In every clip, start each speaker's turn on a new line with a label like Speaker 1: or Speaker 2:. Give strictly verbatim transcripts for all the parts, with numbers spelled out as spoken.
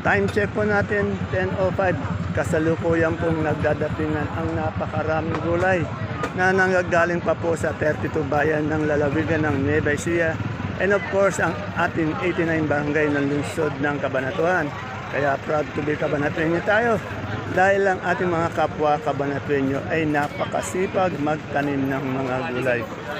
Speaker 1: Time check po natin, ten oh five. Kasalukuyan pong nagdadatingan ang napakaraming gulay na nanggagaling pa po sa thirty-two bayan ng lalawigan ng Nueva Ecija. And of course, ang ating eighty-nine barangay ng lungsod ng Cabanatuan. Kaya proud to be Cabanatueño tayo dahil ang ating mga kapwa Cabanatueño ay napakasipag magtanim ng mga gulay.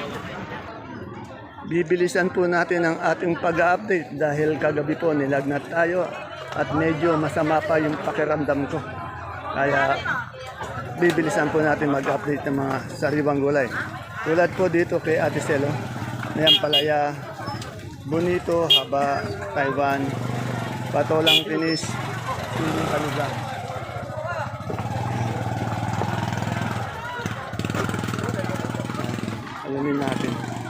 Speaker 1: Bibilisan po natin ang ating pag-update dahil kagabi po nilagnat tayo at medyo masama pa yung pakiramdam ko. Kaya bibilisan po natin mag-update ng mga sariwang gulay. Tulad po dito kay Ate Celo, may palaya, bonito, haba, Taiwan, patolang tinis, siling kaluga. Alamin natin.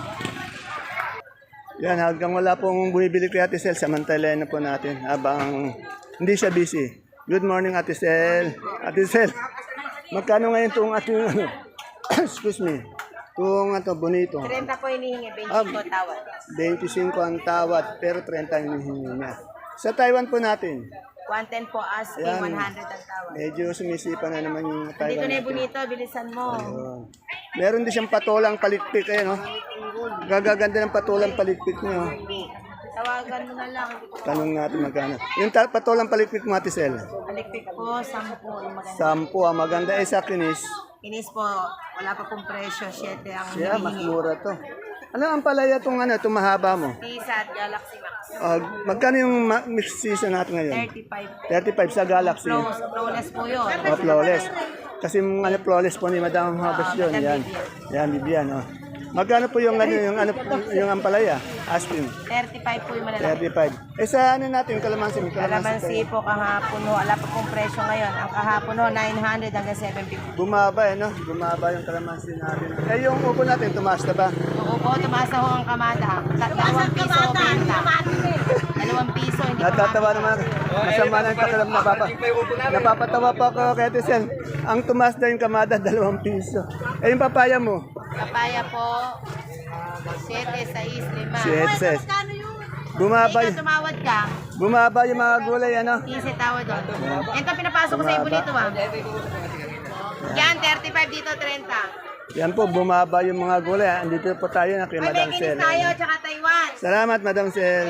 Speaker 1: Yan, hanggang wala pong bumibili kay Ate Cel, samantalayan na po natin habang hindi siya busy. Good morning, Ate Cel. Ate Cel, magkano ngayon itong ating, ano, excuse me, itong ito, bonito?
Speaker 2: thirty po hinihingi,
Speaker 1: Ah,
Speaker 2: twenty po tawad.
Speaker 1: twenty-five ang tawad, pero thirty ang hinihingi niya. Sa Taiwan po natin,
Speaker 2: one ten po asking,
Speaker 1: Ayan.
Speaker 2: one hundred ang tawad.
Speaker 1: medyo sumisipa na naman yung
Speaker 2: Dito
Speaker 1: Taiwan
Speaker 2: na yung
Speaker 1: natin.
Speaker 2: bonito, bilisan mo.
Speaker 1: Ayun. Meron din siyang patolang palitpik, eh, no? Gagaganda ng patolang palitpik niyo.
Speaker 2: Tawagan mo na lang.
Speaker 1: Tanong natin magkano. Yung ta- patolang palitpik mo, Ate Cel,
Speaker 2: Alikpik po, sampu. Yung maganda.
Speaker 1: sampu, ang maganda. Eh, sa kinis,
Speaker 2: Inis po, wala pa pong presyo, siyete ang
Speaker 1: siya, mas
Speaker 2: hinihingi.
Speaker 1: mura to. Ano ang palaya itong ano, itong mahaba mo?
Speaker 2: Pisa at Galaxy Max.
Speaker 1: Uh, magkano yung ma- mixed season natin ngayon?
Speaker 2: thirty-five.
Speaker 1: thirty-five sa Galaxy.
Speaker 2: Flows, flawless po yun.
Speaker 1: O, flawless. Kasi yung ano, flawless po ni Madam Harvest yun.
Speaker 2: Madam
Speaker 1: Yan.
Speaker 2: Vivian.
Speaker 1: Yan, Bibian. Oh. Magkano po yung, ano, yung, ano, yung ampalaya? Asking.
Speaker 2: thirty-five po yung malalaki.
Speaker 1: thirty-five. Eh sa ano natin, kalamansi. may
Speaker 2: Kalamansi
Speaker 1: tayo.
Speaker 2: po kahapon ho, wala pa pong presyo ngayon. Ang kahapon ho, nine hundred hanggang seven fifty.
Speaker 1: Bumaba eh, no? Bumaba yung kalamansi natin. Eh yung upo natin, tumaas na ba?
Speaker 2: Oo po, tumasa ho ang kamada. Dalawang piso o benta. Dalawang piso, hindi pa
Speaker 1: Natatawa naman. Masama na yung pakiram na papa. Napapatawa pa ako kay Ate Sen. Ang tumaas na yung kamada, dalawang piso. Eh yung papaya mo?
Speaker 2: Papaya po, siyete, sais, lima.
Speaker 1: Siyete. Bumaba,
Speaker 2: Ikaw tumawad ka,
Speaker 1: bumaba yung mga gulay, ano?
Speaker 2: quince tawad doon. Ito pinapasok ko sa ibo dito ah. Yan, thirty-five dito, thirty.
Speaker 1: Yan po, bumaba yung mga gulay. Andito po tayo na kay
Speaker 2: Ay, may
Speaker 1: Madam
Speaker 2: kinis
Speaker 1: Sel.
Speaker 2: tayo, tsaka Taiwan.
Speaker 1: Salamat, Madam Sel.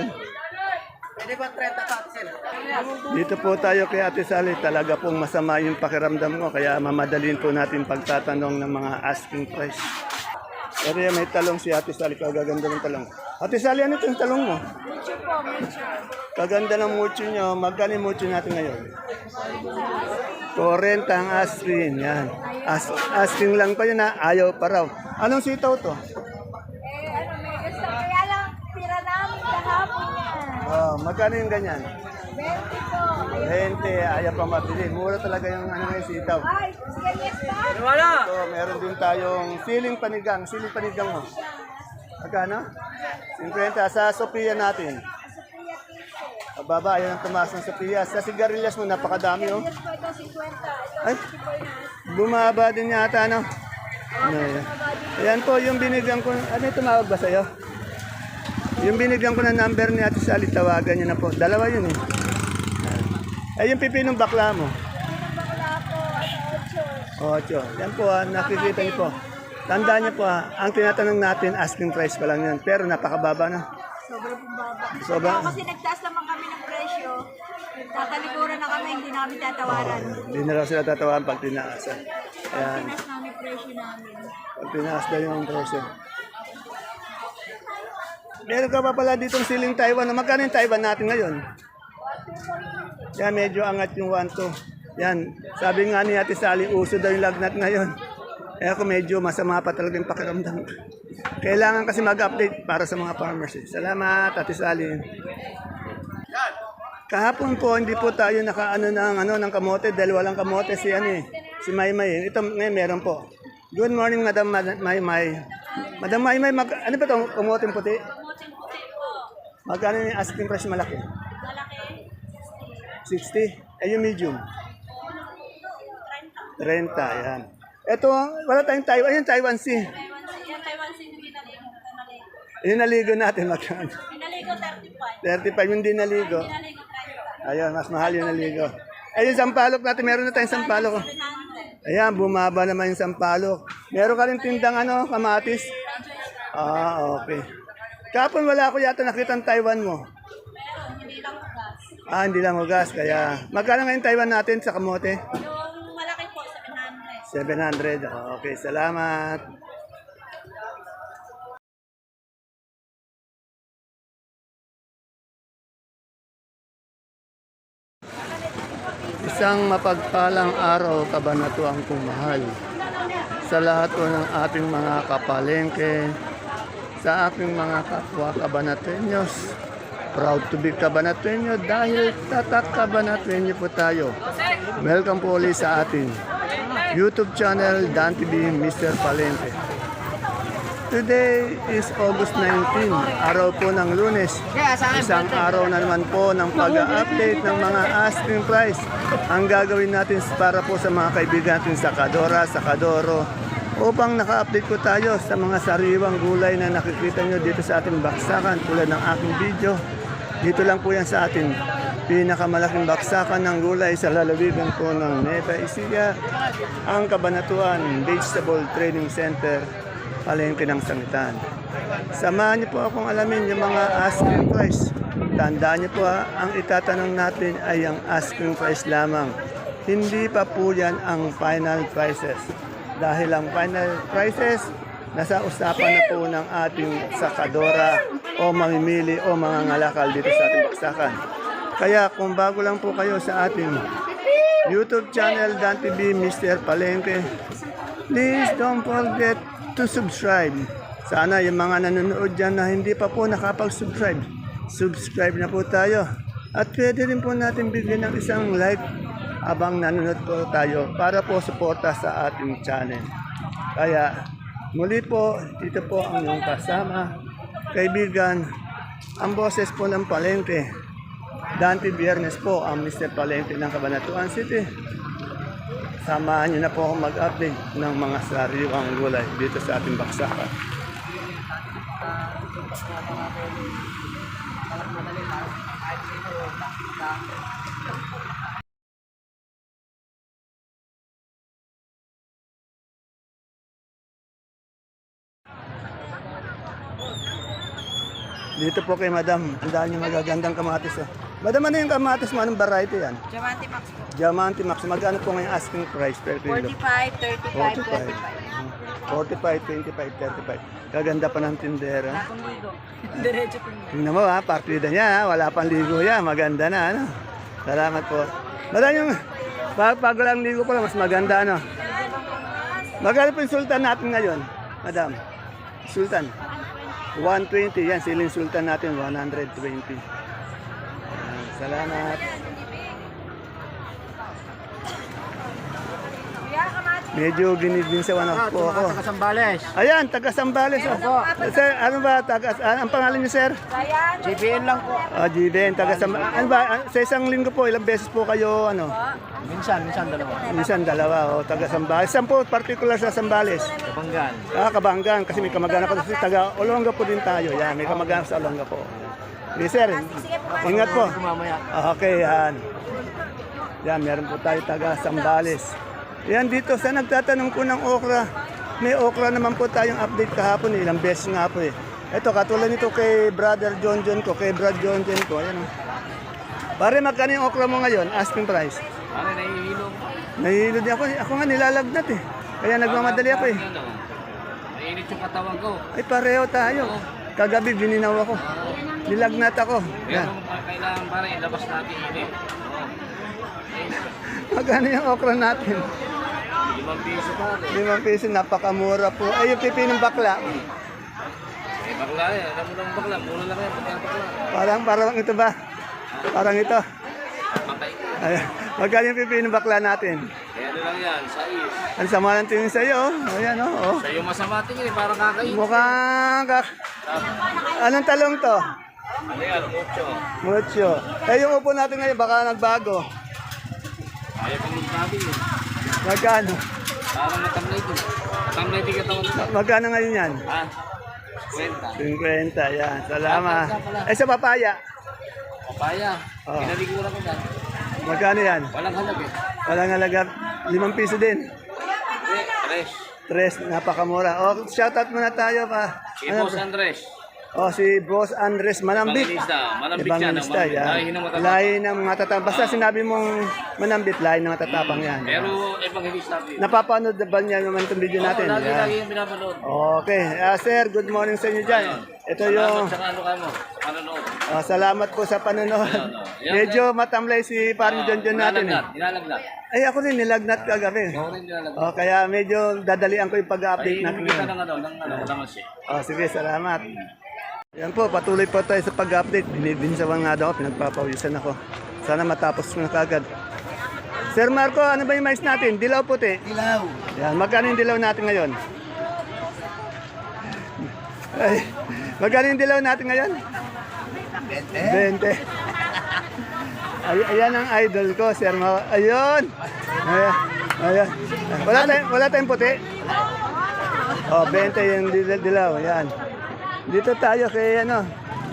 Speaker 1: Dito po tayo kay Ate Sally. Talaga pong masama yung pakiramdam ko. Kaya mamadalin po natin pagtatanong ng mga asking price. Pero yan, may talong si Ate Sally. Kagaganda ng talong. Ate Sally, ano itong talong mo?
Speaker 2: Mucho po, mucho.
Speaker 1: Kaganda ng mucho nyo. Magkano yung mucho natin ngayon? forty ang asking. Yan. As asking lang pa yun ha. Ayaw pa raw. Anong sitaw to?
Speaker 3: Eh, ano, may gusto. Kaya lang, tira namin kahapon yan.
Speaker 1: Oh, magkano yung ganyan?
Speaker 3: twenty po.
Speaker 1: twenty, ayaw pa mabili. Mura talaga yung ano yung sitaw.
Speaker 3: Ay, sige, yes pa.
Speaker 1: So, meron din tayong siling panigang. Siling panigang mo. Magkano? fifty sa Sophia natin.
Speaker 3: Sophia quince.
Speaker 1: Baba, ayun ang tumaas ng Sophia. Sa sigarilyas mo, napakadami oh.
Speaker 3: Yes po, ito fifty. Ito
Speaker 1: Ay,
Speaker 3: sixty-four na.
Speaker 1: bumaba din yata, no? Ano yan? Ayan po, yung binigyan ko. Ano yung tumawag ba sa'yo? Yung binigyan ko na number ni Ate Sally, tawagan niyo na po. Dalawa yun eh. Ay, yung pipinong bakla mo.
Speaker 3: Pinabakla po, ano, ocho.
Speaker 1: Ocho. Yan po ha, nakikita niyo po. Tandaan niyo po ha, ang tinatanong natin, asking price pa lang yan. Pero napakababa na.
Speaker 3: Sobrang bumaba.
Speaker 1: Sobra.
Speaker 3: Kaya kasi nagtaas naman kami ng presyo. Tatalikuran na kami, hindi namin tatawaran.
Speaker 1: Hindi na lang sila tatawan pag tinaasan. Ayan,
Speaker 3: Tinaas namin presyo namin.
Speaker 1: pag tinaas daw yung presyo. Meron ka pa pala ditong siling Taiwan. Magkano yung Taiwan natin ngayon? Yan, medyo angat yung one two. Yan, sabi nga ni Ate Sally, uso daw yung lagnat ngayon. Eh ako medyo masama pa talaga yung pakiramdam. Kailangan kasi mag-update para sa mga farmers. Eh. Salamat, Ate Sally. Kahapon po, hindi po tayo nakaano ng, ano, ng kamote dahil walang kamote si, ano, eh, si Maymay. Ito ngayon meron po. Good morning, Madam Mad- Maymay. Madam Maymay, mag, ano ba itong kamote puti? Magkano yung asking price malaki? sixty. Eh, yung medium? thirty, yan. Ito, wala tayong Taiwan. Ayun, Taiwan Sea.
Speaker 3: Yan, Taiwan City, pinaligo.
Speaker 1: Yung naligo natin, magkano?
Speaker 3: Pinaligo, thirty-five.
Speaker 1: thirty-five yung di naligo.
Speaker 3: Pinaligo tayo.
Speaker 1: Ayun, mas mahal yung naligo. Eh, yung sampalok natin, meron na tayong sampalok. Ayan, bumaba naman yung sampalok. Meron ka rin tindang ano, kamatis? Ah, okay. Kapon wala ko yata nakita ang Taiwan mo. Ah, hindi lang ugas. Kaya, magkano ngayon Taiwan natin sa kamote?
Speaker 3: Yung malaki po, seven hundred.
Speaker 1: seven hundred. Okay, salamat. Isang mapagpalang araw, kabanatuang kumahal. Sa lahat po ng ating mga kapalengke, sa aking mga kapwa kabanatenyos, proud to be kabanatenyo dahil tatak kabanatenyo po tayo. Welcome po ulit sa ating YouTube channel, Dan T V, Mister Palengke. Today is August nineteenth, araw po ng Lunes. Isang araw na naman po ng pag-update ng mga asking price. Ang gagawin natin para po sa mga kaibigan natin sa Kadora, sa Kadoro, upang naka-update po tayo sa mga sariwang gulay na nakikita nyo dito sa ating baksakan tulad ng aking video. Dito lang po yan sa ating pinakamalaking baksakan ng gulay sa lalawigan po ng Nueva Ecija, ang Cabanatuan Vegetable Trading Center, Palengke ng Sangitan. Samahan niyo po akong alamin yung mga asking price. Tandaan niyo po ha, ang itatanong natin ay ang asking price lamang. Hindi pa po yan ang final prices. Dahil ang final prices, nasa usapan na po ng ating sakadora o mamimili o mga ngalakal dito sa ating baksakan. Kaya kung bago lang po kayo sa ating YouTube channel, Dan T V, Mister Palengke, please don't forget to subscribe. Sana yung mga nanonood dyan na hindi pa po nakapag-subscribe, subscribe na po tayo. At pwede rin po natin bigyan ng isang like abang nanonood po tayo para po suporta sa ating channel. Kaya muli po, ito po ang inyong kasama, kaibigan, ang boses po ng Palengke. Dante Biernes po ang Mister Palengke ng Cabanatuan City. Samahan niyo na po akong mag-update ng mga sariwang gulay dito sa ating baksakan. Dito po kay Madam, ang dahil niyo magagandang kamatis. Oh. Madam, ano yung kamatis mo? Anong variety yan?
Speaker 3: Diamante Max po.
Speaker 1: Diamante Max. Magkano po ngayon asking price per kilo?
Speaker 3: forty-five, thirty-five, twenty-five.
Speaker 1: forty-five, twenty-five, thirty-five. Kaganda pa ng tindera.
Speaker 3: Akong ligo. Diretso po.
Speaker 1: Tingnan mo ha, partida niya ha. Wala pang ligo yan. Maganda na ano. Salamat po. Madam yung pag, pag lang ligo pa lang, mas maganda ano. Magkano po yung sultan natin ngayon? Madam, sultan. one twenty. Yan, siling sultan natin, one twenty. Yan, salamat. Medyo ginigin sa one
Speaker 4: Ah,
Speaker 1: po ako.
Speaker 4: taga Sambales.
Speaker 1: Ayan, taga Sambales. Oh. Sir, ano ba? Taga, ah, ang pangalan niyo, sir?
Speaker 4: G B N lang po.
Speaker 1: Ah, G B N, taga Sambales. Ano ba? ah, Sa isang linggo po, ilang beses po kayo, ano?
Speaker 4: Minsan, minsan dalawa.
Speaker 1: Minsan dalawa, oh, taga Sambales. Saan po particular sa Sambales?
Speaker 4: Kabanggan.
Speaker 1: Ah, Kabanggan, kasi may kamag-anak ko kasi taga Olonga po din tayo. Yan, may kamag-anak sa Olonga po. Okay, sir, ingat po.
Speaker 4: Mamaya.
Speaker 1: Ah, okay, yan. Yan, meron po tayo taga Sambales. Yan dito, sa nagtatanong po ng okra. May okra naman po tayong update kahapon, eh, ilang beses nga po eh. Ito, katulad nito kay Brother John John ko, kay Brad John John ko. Ayan, oh. Pare, magkano yung okra mo ngayon? Asking price.
Speaker 4: Pare, nahihilo.
Speaker 1: Nahihilo din ako. Ako nga nilalagnat eh. Kaya nagmamadali ako eh.
Speaker 4: Nainit yung katawan ko.
Speaker 1: Ay, pareho tayo. Kagabi, bininaw ako. Nilagnat ako. Yan.
Speaker 4: Pero kailangan pare, ilabas natin init.
Speaker 1: Magkano yung okra natin?
Speaker 4: Limang piso pare.
Speaker 1: Limang piso, napakamura po. Ay, yung pipi ng bakla.
Speaker 4: Eh, bakla eh. Alam mo lang bakla. Mura lang yan. Pagka bakla.
Speaker 1: Parang, parang ito ba? Parang ito.
Speaker 4: Patay.
Speaker 1: Ay, magkano yung pipi ng bakla natin?
Speaker 4: Eh, ano lang yan? Sais.
Speaker 1: Ang sama ng tingin sa'yo. Oh. Ayan, oh. oh.
Speaker 4: Sa'yo masama tingin eh. Parang kakain.
Speaker 1: Mukhang... Kak... Anong talong to?
Speaker 4: Ano yan? Mucho.
Speaker 1: Mucho. Eh, yung upo natin ngayon, baka nagbago.
Speaker 4: Ayaw pang magsabi eh.
Speaker 1: Magkano?
Speaker 4: Parang natamlay din. Natamlay din katawan ko.
Speaker 1: Magkano ngayon yan?
Speaker 4: Ha? Kwenta.
Speaker 1: fifty, yan. Salamat. Eh, sa papaya?
Speaker 4: Papaya.
Speaker 1: Oo.
Speaker 4: Pinaliguran ko dyan.
Speaker 1: Magkano yan?
Speaker 4: Walang halag eh.
Speaker 1: Walang halaga, limang piso din.
Speaker 4: Eh, Tres.
Speaker 1: Tres, napakamura. O, shoutout muna tayo pa.
Speaker 4: Si Boss Andres.
Speaker 1: O, si Boss Andres Manambit.
Speaker 4: Evangelista. Malambit siya.
Speaker 1: Evangelista,
Speaker 4: Malambit.
Speaker 1: yan.
Speaker 4: Lahi ng matatapang.
Speaker 1: Lahi ng matatapang. Basta sinabi mong manambit, lahi ng matatapang yan.
Speaker 4: Pero evangelista ko yun.
Speaker 1: Napapanood na ba niya naman itong video
Speaker 4: Oo,
Speaker 1: natin?
Speaker 4: lagi,
Speaker 1: Yan.
Speaker 4: lagi yung pinapanood.
Speaker 1: Okay. Ah, sir, good morning sa inyo dyan. Ito yung...
Speaker 4: Salamat sa ano ka mo. Panonood.
Speaker 1: ah, salamat po sa panonood.
Speaker 4: Ayan, oh. Ayan,
Speaker 1: Medyo matamlay si parang John John natin. Eh.
Speaker 4: Nilalagnat. Nilalagnat.
Speaker 1: Ay, ako rin nilagnat kagabi.
Speaker 4: Ako rin nilalagnat.
Speaker 1: O, kaya medyo dadalian ko yung pag-update
Speaker 4: Ay,
Speaker 1: natin
Speaker 4: kita
Speaker 1: ngayon.
Speaker 4: ng ano, ng ano, kalaman siya.
Speaker 1: Oh, sige, salamat. Yan po, patuloy po tayo sa pag-update. Binibinsawan nga daw ako, pinagpapawisan ako. Sana matapos ko na kagad. Sir Marco, ano ba yung mais natin? Dilaw puti? Dilaw. Yan, magkano yung dilaw natin ngayon? Ay, magkano yung dilaw natin ngayon? twenty. Ay, ayan ang idol ko, Sir Marco. Ayun! Ayan. Ayan. Wala tayong, wala tayong puti? Oh, twenty yung dil- dilaw. Ayan. Dito tayo kay ano.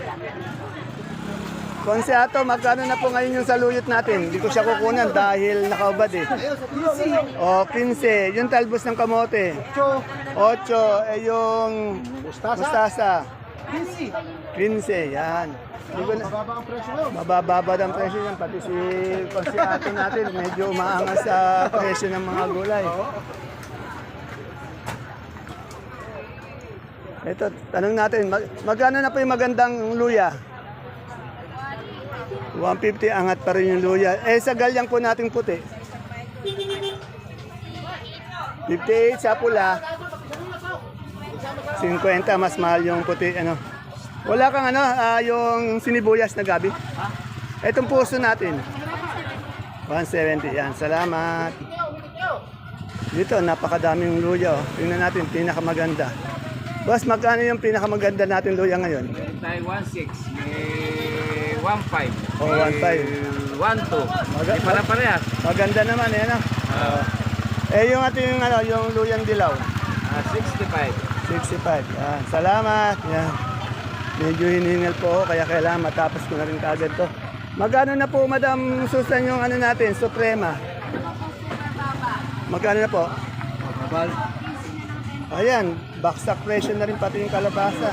Speaker 1: Konseato, magkano na po ngayon yung saluyot natin? Hindi ko siya kukunan dahil nakaubad eh. O, quince. Yung talbos ng kamote. ocho. Eh, yung mustasa. quince. Yan. Hindi ko na, mabababa ang presyo yan. Pati si konseato natin, medyo umaangas sa presyo ng mga gulay. Ito, tanong natin, mag magkano na po yung magandang luya? one fifty, angat pa rin yung luya. Eh, sa galyang po nating puti. fifty-eight sa pula. fifty, mas mahal yung puti. Ano? Wala kang ano, ah, yung sinibuyas na gabi? Itong puso natin. one seventy, yan. Salamat. Dito, napakadaming luya. Oh. Tingnan natin, pinakamaganda. Boss, magkano yung pinakamaganda natin luya ngayon?
Speaker 4: Meron tayo one six, may one five,
Speaker 1: Oh, one five.
Speaker 4: one two.
Speaker 1: Maga-
Speaker 4: Di para parehas.
Speaker 1: Maganda naman, eh, ano? Oh. Eh, yung ating, ano, yung luyang dilaw.
Speaker 4: Ah, sixty-five.
Speaker 1: sixty-five. Yan. Salamat. Yan. Medyo hiningal po ako, kaya kailangan matapos ko na rin kaagad to. Magkano na po, Madam Susan, yung ano natin, Suprema? Magkano na po? Ayan, baksak presyo na rin pati yung kalabasa.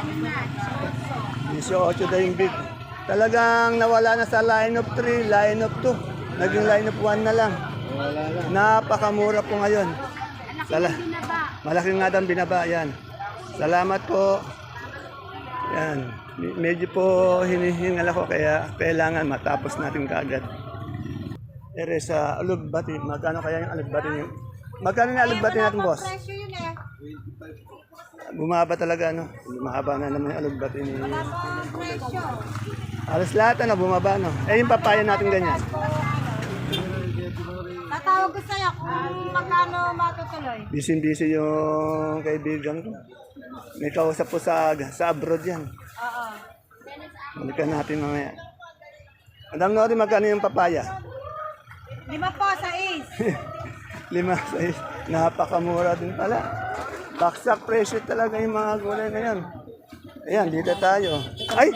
Speaker 1: eighteen daw yung big. Talagang nawala na sa line of three, line of two. Naging line of one na lang. Napakamura po ngayon. Sala Malaking nga daw ang binaba. Yan. Salamat po. Yan. Medyo po hinihingal ako kaya kailangan matapos natin kaagad. Ere sa alugbati. Magkano kaya yung alugbati niyo? Magkano yung alugbati natin, boss?
Speaker 3: Presyo yun eh.
Speaker 1: Bumaba talaga, no? Bumaba na naman yung alugbati ni...
Speaker 3: Wala pong presyo.
Speaker 1: Alas lahat, ano? Bumaba, no? Eh, yung papaya natin ganyan.
Speaker 3: Tatawag ko sa'yo kung magkano matutuloy.
Speaker 1: Busy-busy yung kaibigan ko. May kausap po sa, sa abroad yan.
Speaker 3: Oo.
Speaker 1: Balikan natin mamaya. Madam Nori, magkano yung papaya?
Speaker 3: Lima po sa is.
Speaker 1: Lima, sais. Napakamura din pala. Baksak presyo talaga yung mga gulay ngayon. Ayan, dito tayo. Ay!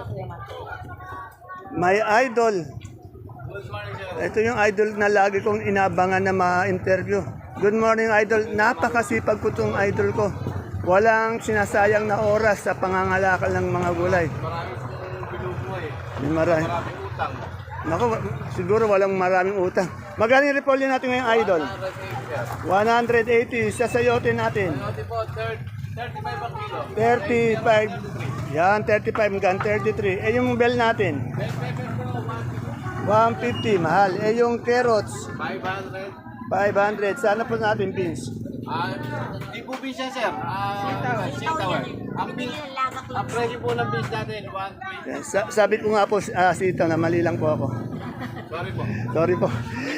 Speaker 1: My idol. Ito yung idol na lagi kong inabangan na ma-interview. Good morning, idol. Napakasipag ko itong idol ko. Walang sinasayang na oras sa pangangalakal ng mga gulay. May marami. Naku, siguro walang maraming utang. Magkano yung repolyo natin ngayong idol? one eighty sa sayote natin.
Speaker 4: thirty-five ang kilo.
Speaker 1: thirty-five. Yan, thirty-five hanggang thirty-three. Eh, yung bell natin? one fifty, mahal. Eh, yung carrots?
Speaker 4: five hundred.
Speaker 1: five hundred. Sana po natin beans.
Speaker 4: Ah, di po beans yan, sir. Ah, sitaw. Ang beans, ang presyo po ng beans natin, one twenty.
Speaker 1: Yan, sa- sabi ko nga po, ah, sitaw na mali lang po ako.
Speaker 4: Sorry po.
Speaker 1: Sorry po.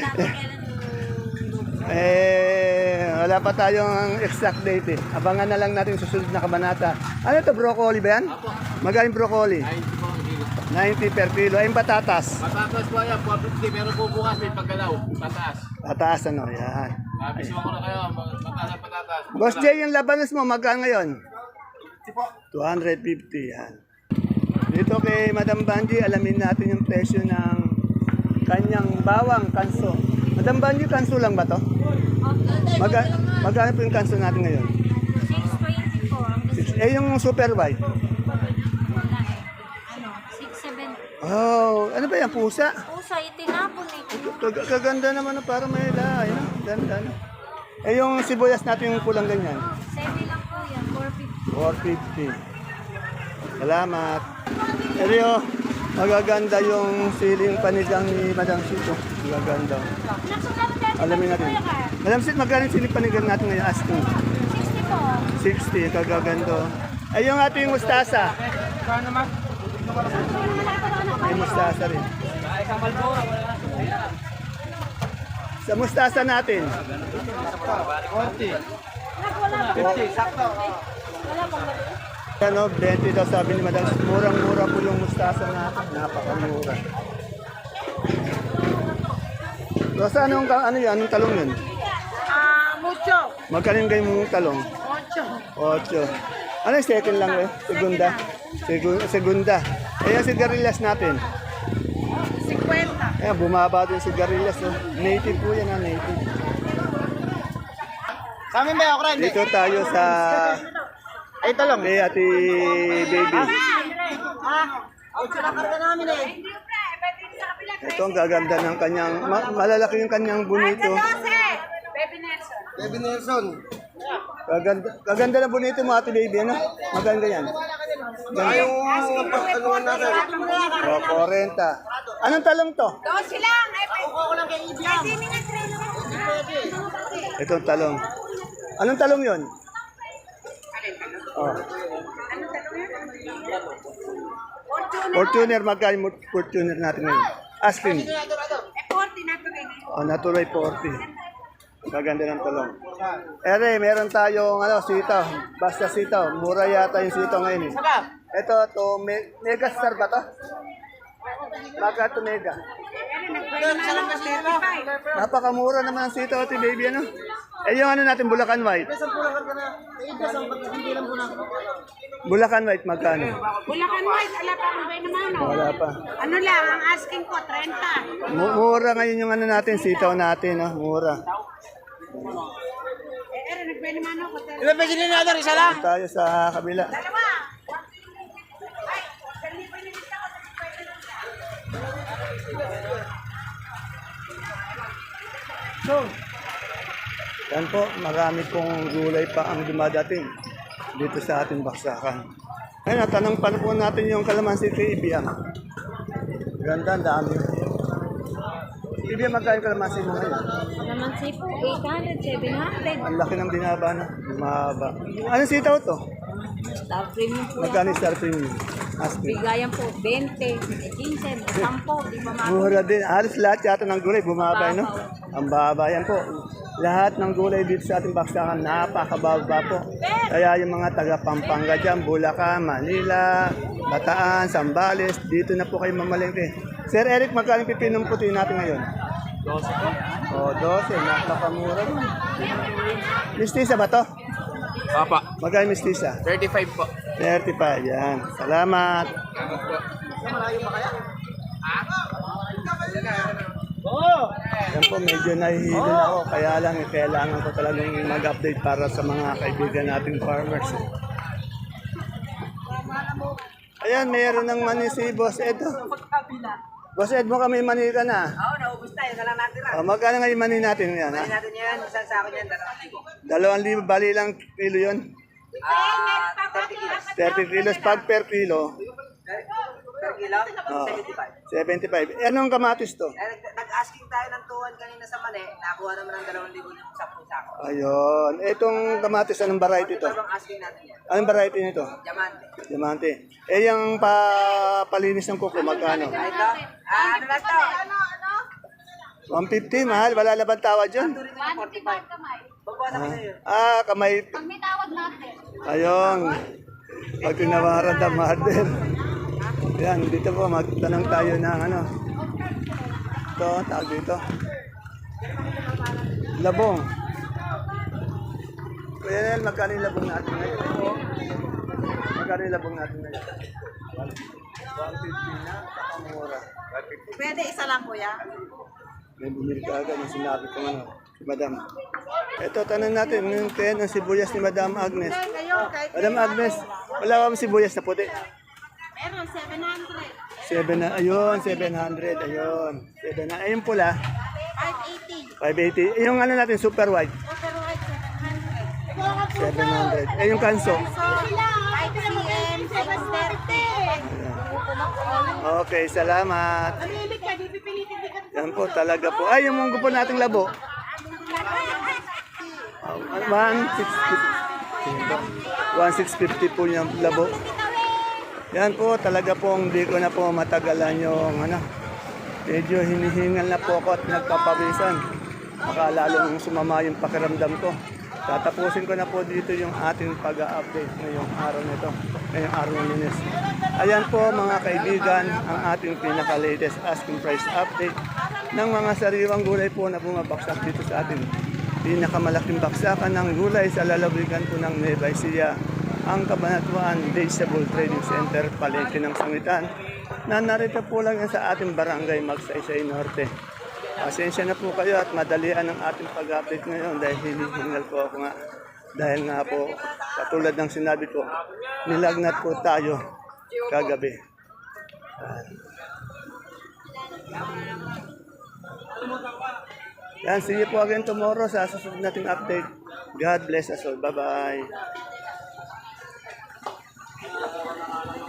Speaker 1: Eh, wala pa tayong exact date eh. Abangan na lang natin susunod na kabanata. Ano to, broccoli ba yan? Magaling broccoli.
Speaker 4: Ay, di po ang kilo.
Speaker 1: ninety per kilo. Ay, yung patatas.
Speaker 4: Patatas po yan, four fifty. Pero po bukas may paggalaw. Pataas.
Speaker 1: Patatas, ano, yan.
Speaker 4: Nabis mo ko na kayo, patatas na patatas.
Speaker 1: Boss Jay, yung labanos mo, magkano ngayon? two fifty, yan. Dito kay Madam Banji, alamin natin yung presyo ng kanyang bawang kanso. Madam Banji, kanso lang ba to? Maga magkano po yung kanso natin ngayon?
Speaker 3: six twenty-four.
Speaker 1: Eh, yung super white.
Speaker 3: Wala eh. Ano? six seventy.
Speaker 1: Oh, ano ba yan? Pusa?
Speaker 3: Pusa, itinapon eh.
Speaker 1: Kag- Kaganda naman, para may lahay. No? Ganda, no? Eh, yung sibuyas natin yung kulang ganyan.
Speaker 3: Semi lang po yan. four fifty.
Speaker 1: four fifty. Salamat. Eryo, magaganda yung siling panigang ni Madam Sito. Magaganda. Alamin natin. Madam Sito, magkano yung siling panigang natin ngayon? Asking.
Speaker 3: sixty po.
Speaker 1: sixty, kagaganda. Ay, yung ating mustasa. May mustasa rin. Sa mustasa natin.
Speaker 4: forty. fifty, sakto.
Speaker 1: Ano, twenty daw sabi ni Madam. Murang-mura po yung mustasa natin. Napakamura. Rosa, anong, ka- ano yan? Anong talong yun?
Speaker 2: Ah, mucho.
Speaker 1: Magkano yung ganyan talong?
Speaker 2: Ocho.
Speaker 1: Ocho. Ano yung second lang eh? Segunda. Segu- segunda. Eh, yung sigarilyas natin.
Speaker 2: Cincuenta.
Speaker 1: Eh, bumaba din yung sigarilyas. Oh. Native po yan, ha? Native.
Speaker 4: Sa amin ba yung okra? Hindi.
Speaker 1: Dito tayo sa...
Speaker 4: Ay, talong.
Speaker 1: Kay ati baby. Ito ang gaganda ng kanyang... Ma- malalaki yung kanyang bonito.
Speaker 2: Baby Nelson.
Speaker 4: Baby Nelson.
Speaker 1: Gaganda, gaganda ng bonito mo ati baby, ano? Maganda yan.
Speaker 4: Ay, yung pag-anuan natin.
Speaker 1: O, forty. Anong talong to?
Speaker 2: Dos lang. Kasi
Speaker 1: Itong talong. Anong talong yon? Oh. Fortuner, magkano yung Fortuner natin ngayon? Asking.
Speaker 2: forty na to baby.
Speaker 1: Oh, natuloy forty. Maganda ng talong. Ere, meron tayong ano, sitaw. Basta sitaw. Mura yata yung sitaw ngayon. Eh. Ito, to, me, Megastar ba to? Baka to Mega. Napakamura naman ang sitaw, ati baby, ano? Eh, yung ano natin, Bulacan White. Bulacan White, magkano?
Speaker 2: Bulacan White, ala pa ang bay naman. Oh.
Speaker 1: Wala pa.
Speaker 2: Ano lang, ang asking ko, thirty.
Speaker 1: Mu- Mura ngayon yung ano natin, sitaw natin, no? Mura.
Speaker 2: Eh, ere, nagbay naman ako.
Speaker 4: Ilan peso din natin? Isa lang.
Speaker 1: Tayo sa kabila.
Speaker 2: Dalawa.
Speaker 1: Yan po, marami pong gulay pa ang dumadating dito sa ating baksakan. Ayun, natanong pa po natin yung kalamansi kay Ibiang. Ganda, ang dami. Ibiang, magkano yung kalamansi mo ngayon?
Speaker 3: Naman si po, eight hundred, seven hundred.
Speaker 1: Ang laki ng binaba na. Bumaba. Anong sitaw to?
Speaker 3: Star premium po yan.
Speaker 1: Magkano yung star premium? Asking.
Speaker 3: Bigayan po, twenty, fifteen, ten, ten, di ba mga
Speaker 1: Mura din. Halos lahat yata ng gulay bumaba, no? Ang baba yan po. Lahat ng gulay dito sa ating baksakan, napakababa po. Kaya yung mga taga Pampanga dyan, Bulacan, Manila, Bataan, Zambales, dito na po kayo mamalengke. Sir Eric, magkano yung pipinong puti natin ngayon?
Speaker 4: twelve po.
Speaker 1: O, twelve. Napakamura mo. Mistisa ba to?
Speaker 4: Papa.
Speaker 1: Magkano mistisa?
Speaker 4: thirty-five po.
Speaker 1: thirty-five, yan. Salamat.
Speaker 4: Oo.
Speaker 1: Yan po, medyo nahihilo na ako. Kaya lang, eh, kailangan ko talagang mag-update para sa mga kaibigan nating farmers. eh. Ayan, mayroon ng mani si Boss Ed. oh. Boss Ed, mo kami mani ka na.
Speaker 2: Oo, naubos tayo. Wala natin lang.
Speaker 1: Oh, magkano nga yung mani natin yan, ha?
Speaker 2: Natin yan. Isang sako yan, dalawang libo.
Speaker 1: Dalawang libo, bali lang kilo yun.
Speaker 2: Ah, thirty kilos.
Speaker 1: thirty kilos pag per kilo.
Speaker 2: Per kilo?
Speaker 1: Oh,
Speaker 2: seventy-five.
Speaker 1: seventy-five. Eh, anong kamatis to?
Speaker 2: Eh, nag- Nag-asking tayo ng tuwan kanina sa mali. Nakuha naman ng dalawang libo yung sampung sako.
Speaker 1: Ayun. Itong kamatis, anong variety to?
Speaker 2: Dalawang asking natin yan.
Speaker 1: Anong variety nito?
Speaker 2: Diamante.
Speaker 1: Diamante. Eh, yung pa palinis ng kuko, magkano?
Speaker 2: Ah, ito? Ah, ano lang to?
Speaker 1: one fifty, mahal. Wala laban tawad yun.
Speaker 2: Turin na forty-five. Babawasan ko sa'yo.
Speaker 1: Ah, kamay.
Speaker 3: Pag may tawad natin.
Speaker 1: Ayun. Pag tinawaran ng mother. Yan, dito po, magtanong tayo ng ano. Ito, tawag dito. Labong. Kuya Nel, magkano yung labong natin ngayon? Magkano yung labong natin ngayon? one fifty na, nakamura.
Speaker 3: Pwede isa lang kuya.
Speaker 1: May bumili ka agad ng sinabi ko ano, si Madam. Ito, tanong natin, yung kaya ng sibuyas ni Madam Agnes.
Speaker 3: Ngayon, kahit
Speaker 1: Madam Agnes, wala ba sibuyas na puti?
Speaker 3: meron, seven hundred.
Speaker 1: seven na, ayun, seven hundred, ayun. seven na, ayun pula,
Speaker 3: five eighty.
Speaker 1: five eighty. Yung ano natin, super white,
Speaker 3: Super white, seven hundred.
Speaker 1: seven hundred. Eh, yung kanso.
Speaker 3: So, five C M, six thirty.
Speaker 1: Okay, salamat. Yan po, talaga po. Ay, yung munggo po nating labo. one six fifty. one six fifty po yung labo. Yan po, talaga po, hindi ko na po matagalan yung ano. Medyo hinihingal na po ako at nagpapawisan. Baka lalong sumama yung pakiramdam ko. Tatapusin ko na po dito yung ating pag-update ngayong araw nito, ngayong araw ng Lunes. Ayan po mga kaibigan, ang ating pinaka-latest asking price update ng mga sariwang gulay po na bumabaksak dito sa ating pinakamalaking baksakan ng gulay sa lalawigan po ng Nueva Ecija, ang Cabanatuan Vegetable Trading Center, Palengke ng Sangitan, na narito po lang yan sa ating barangay Magsaysay Norte. Pasensya na po kayo at madalian ang ating pag-update ngayon dahil hinihingal po ako nga. Dahil nga po, katulad ng sinabi ko, nilagnat po tayo kagabi. Yan, see you po again tomorrow sa susunod nating update. God bless us all. Bye-bye.